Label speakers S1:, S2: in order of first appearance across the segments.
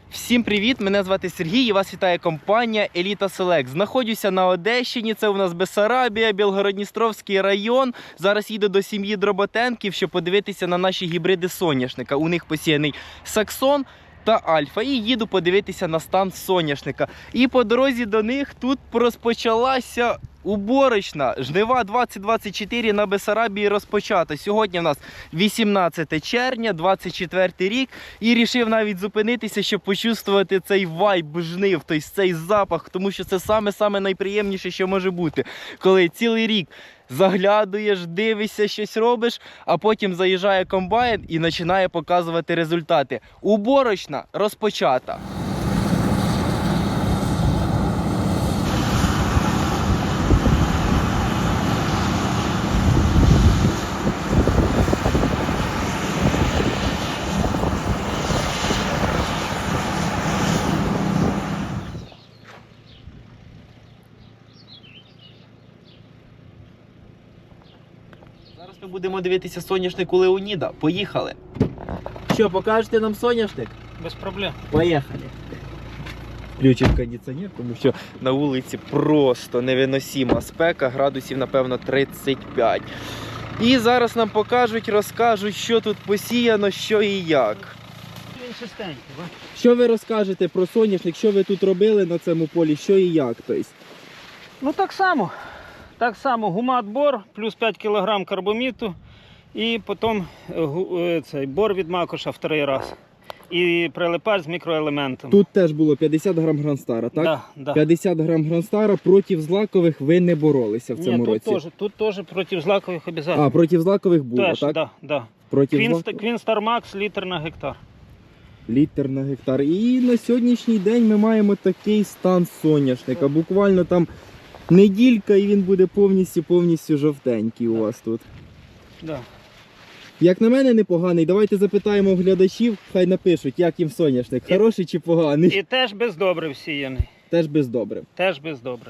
S1: Всім привіт! Мене звати Сергій і вас вітає компанія Еліта Селект. Знаходжуся на Одещині, це у нас Бессарабія, Білгород-Дністровський район. Зараз їду до сім'ї Дроботенків, щоб подивитися на наші гібриди соняшника. У них посіяний Саксон та Альфа. І їду подивитися на стан соняшника. І по дорозі до них тут розпочалася уборочна. Жнива 2024 на Бессарабії розпочата. Сьогодні в нас 18 червня, 24 рік. І рішив навіть зупинитися, щоб почувствувати цей вайб жнив, тобто цей запах. Тому що це саме найприємніше, що може бути. Коли цілий рік заглядуєш, дивишся, щось робиш, а потім заїжджає комбайн і починає показувати результати. Уборочна розпочата. Зараз ми будемо дивитися соняшник у Леоніда. Поїхали. Що, покажете нам соняшник?
S2: Без проблем.
S1: Поїхали. Включив кондиціонер, тому що на вулиці просто невиносима спека, градусів, напевно, 35. І зараз нам покажуть, розкажуть, що тут посіяно, що і як.
S2: Він чистенький, ба?
S1: Що ви розкажете про соняшник, що ви тут робили на цьому полі, що і як? Тобто?
S2: Ну так само. Так само гумат-бор, плюс 5 кг карбоміту і потім цей бор від макоша вторий раз. І прилипач з мікроелементом.
S1: Тут теж було 50 грам Гранстара, так?
S2: Да, да.
S1: 50 грам Гранстара, проти злакових ви не боролися в цьому році?
S2: Тут теж проти злакових обов'язково.
S1: А, проти злакових було,
S2: Теж,
S1: так?
S2: да, да. Queen Star Max літр на гектар.
S1: Літр на гектар. І на сьогоднішній день ми маємо такий стан соняшника. Буквально там неділька і він буде повністю жовтенький у вас тут.
S2: Да.
S1: Як на мене, непоганий. Давайте запитаємо глядачів, хай напишуть, як їм соняшник, хороший чи поганий.
S2: І теж без добрив сіяний.
S1: Теж без добрив.
S2: Теж без добрив.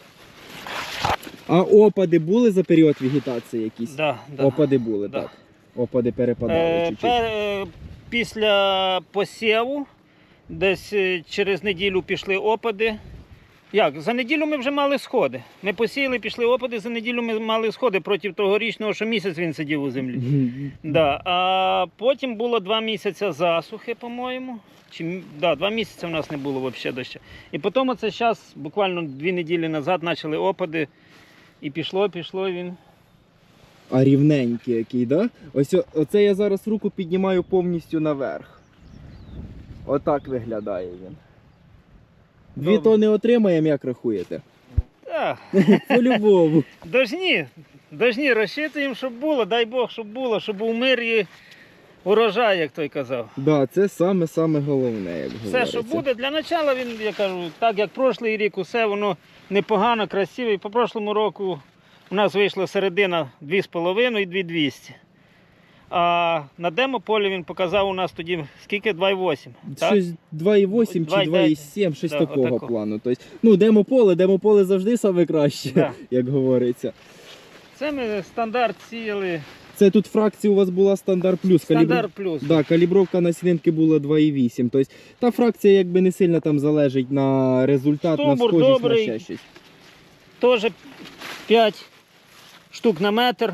S1: А опади були за період вегетації якісь?
S2: Да, да.
S1: Опади були,
S2: Да.
S1: так. Опади перепадали чуть-чуть.
S2: Після посіву, десь через неділю пішли опади. Як? За неділю ми вже мали сходи. Ми посіяли, пішли опади, за неділю ми мали сходи проти тогорічного, що місяць він сидів у землі. Да. А потім було 2 місяці засухи, по-моєму. Да, 2 місяці в нас не було взагалі дощу. І потім оце зараз, буквально 2 неділі назад, почали опади. І пішло він.
S1: А рівненький який, да? Ось оце я зараз руку піднімаю повністю наверх. Отак виглядає він. 2 тони отримаємо, як рахуєте?
S2: Так.
S1: По-любому.
S2: Дожні розчитуємо, щоб було, дай Бог, щоб було, щоб був мир і урожай, як той казав.
S1: Да, це саме головне, як
S2: Все,
S1: говориться.
S2: що буде, для початку він, я кажу, так як прошлий рік, усе воно непогано, красиво. І по прошлому року у нас вийшла середина 2,5 і 2,200. А на демополі він показав у нас тоді скільки? 2,8.
S1: Щось 2,8 чи 2,7, щось
S2: Да,
S1: такого
S2: отако.
S1: плану. Тобто, ну, демополе завжди саме краще,
S2: Да.
S1: як говориться.
S2: Це ми стандарт сіяли.
S1: Це тут фракція у вас була стандарт плюс.
S2: Стандарт плюс.
S1: Да, калібровка насінинки була 2,8. Тобто та фракція якби не сильно там залежить на результат,
S2: Стовбур
S1: на схожість,
S2: добрий.
S1: на ще щось.
S2: Теж 5 штук на метр.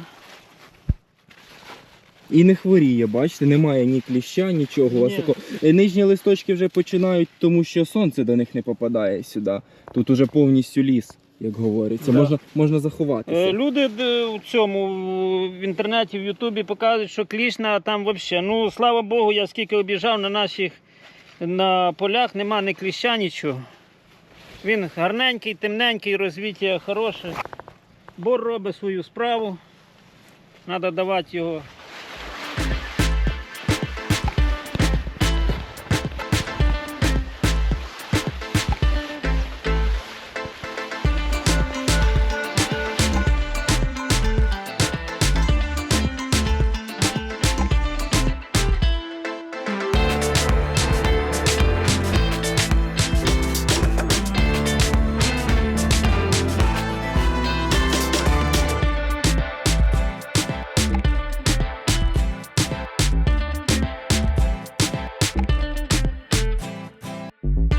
S1: І не хворіє, бачите, немає ні кліща, нічого. У вас
S2: Ні.
S1: такого. Нижні листочки вже починають, тому що сонце до них не попадає сюди. Тут уже повністю ліс, як говориться.
S2: Да.
S1: Можна заховатися.
S2: Люди у цьому в інтернеті, в Ютубі показують, що кліщна там взагалі. Ну, слава Богу, я скільки об'їжджав на полях, нема ні кліща, нічого. Він гарненький, темненький, розвиття хороше. Бор робить свою справу. Треба давати його.
S1: Дякую.